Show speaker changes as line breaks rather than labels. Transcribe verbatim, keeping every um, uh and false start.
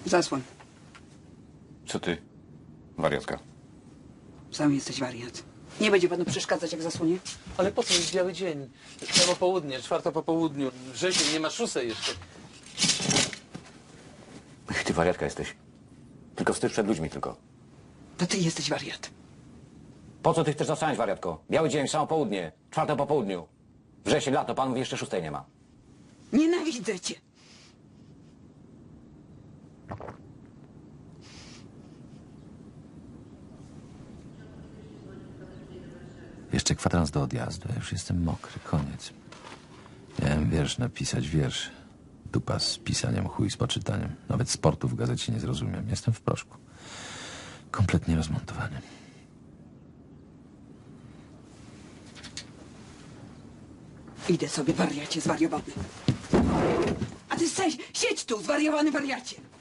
Zasłoń.
Co ty, wariatka?
Sam jesteś wariat. Nie będzie panu przeszkadzać, jak zasłonie?
Ale po co jest biały dzień? Prawo południe, czwarta po południu. Wrzesień, nie ma szóstej jeszcze.
Ty wariatka jesteś. Tylko wstyd przed ludźmi tylko.
To ty jesteś wariat.
Po co ty chcesz zasłaniać, wariatko? Biały dzień, samo południe, czwarte po południu. Wrzesień, lato, pan mówi, jeszcze szóstej nie ma.
Nienawidzę cię.
Jeszcze kwadrans do odjazdu, ja już jestem mokry, koniec. Miałem wiersz napisać, wiersz. Dupa z pisaniem, chuj z poczytaniem. Nawet sportu w gazecie nie zrozumiem. Jestem w proszku. Kompletnie rozmontowany.
Idę sobie, wariacie zwariowany. A ty staj, siedź tu, zwariowany wariacie.